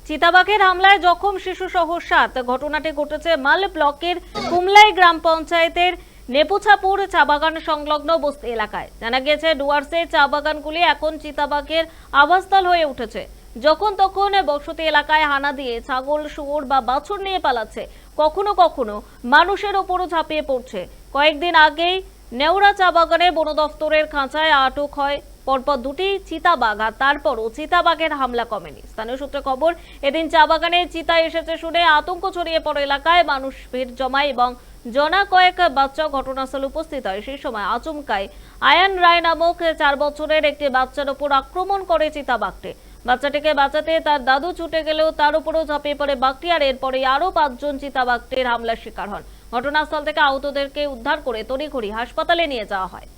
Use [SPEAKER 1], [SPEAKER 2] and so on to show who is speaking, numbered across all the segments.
[SPEAKER 1] চিতাবাঘের হামলায় জখম শিশু সহ 7। ঘটনাটি ঘটেছে মাল ব্লকের কুমলাই গ্রাম পঞ্চায়েতের নেপুছাপুর চা বাগান সংলগ্ন বস্তি এলাকায়। জানা গিয়েছে ডুয়ার্সে চা বাগানগুলি এখন চিতাবাঘের আবাসস্থল হয়ে উঠেছে। যখন তখন বসতি এলাকায় হানা দিয়ে ছাগল, শুয়োর বা বাছুর নিয়ে পালাচ্ছে, কখনো কখনো মানুষের ওপরও ঝাঁপিয়ে পড়ছে। কয়েকদিন আগেই নেওড়া চা বাগানে বন দফতরের খাঁচায় আটক হয় পরপর 2টি চিতাবাঘ, আর তারপরও চিতাবাঘের হামলা কমেনি। স্থানীয় সূত্রে খবর, এদিন চা বাগানে চিতা এসেছে শুনে আতঙ্ক ছড়িয়ে পড়ে এলাকায়। মানুষ ভিড় জমায় এবং জনা কয়েক বাচ্চা ঘটনাস্থলে উপস্থিত হয়। সেই সময় আচমকায় আয়ান রায় নামক 4 বছরের একটি বাচ্চার উপর আক্রমণ করে চিতাবাঘটি। বাচ্চাটিকে বাঁচাতে তার দাদু ছুটে গেলেও তার উপরও ঝাঁপিয়ে পড়ে বাঘটি, আর এরপরে আরো 5 জন চিতাবাঘটির হামলার শিকার হন। ঘটনাস্থল থেকে আহতদেরকে উদ্ধার করে তড়িঘড়ি হাসপাতালে নিয়ে যাওয়া হয়।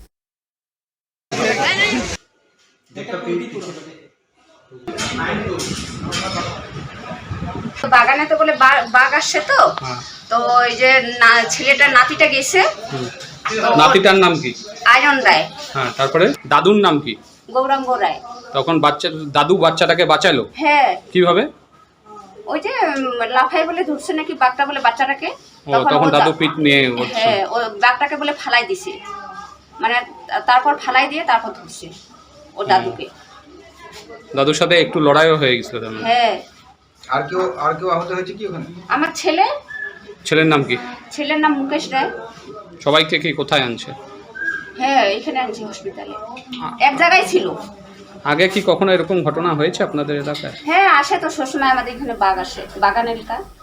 [SPEAKER 2] বাগানে তো বলে বাঘ আসছে, তো তো ওই যে ছেলেটার নাতিটা গেছে।
[SPEAKER 3] নাতিটার নাম কি?
[SPEAKER 2] আয়রন রায়।
[SPEAKER 3] হ্যাঁ, তারপরে দাদুর নাম কি?
[SPEAKER 2] গৌরাঙ্গ রায়।
[SPEAKER 3] তখন দাদু বাচ্চাটাকে বাঁচালো
[SPEAKER 2] হ্যাঁ,
[SPEAKER 3] কিভাবে?
[SPEAKER 2] ওই যে লাফাই বলে ধরছে নাকি বাঘটা বলে বাচ্চাটাকে।
[SPEAKER 3] তখন দাদু পিঠ নিয়ে
[SPEAKER 2] হ্যাঁ, ও বাঘটাকে বলে ফালাই দিছে, মানে তারপর ফালাই দিয়ে তারপর ধরছে ও দাদুকে।
[SPEAKER 3] দাদুর সাথে একটু লড়াইও হয়ে গেছিল।
[SPEAKER 2] হ্যাঁ।
[SPEAKER 4] আর কেউ আহত হয়েছে কি ওখানে?
[SPEAKER 2] আমার ছেলে।
[SPEAKER 3] ছেলের নাম কি?
[SPEAKER 2] ছেলের নাম মুকেশ রায়।
[SPEAKER 3] সবাইকে কি কোথায় আনছে?
[SPEAKER 2] হ্যাঁ, এখানে আনছি হসপিটালে, এক জায়গায় ছিল।
[SPEAKER 3] আগে কি কখনো এরকম ঘটনা হয়েছে আপনাদের এলাকায়?
[SPEAKER 2] হ্যাঁ, আসে তো সবসময় আমাদের এখানে বাঘ আসে, বাগান এলাকা।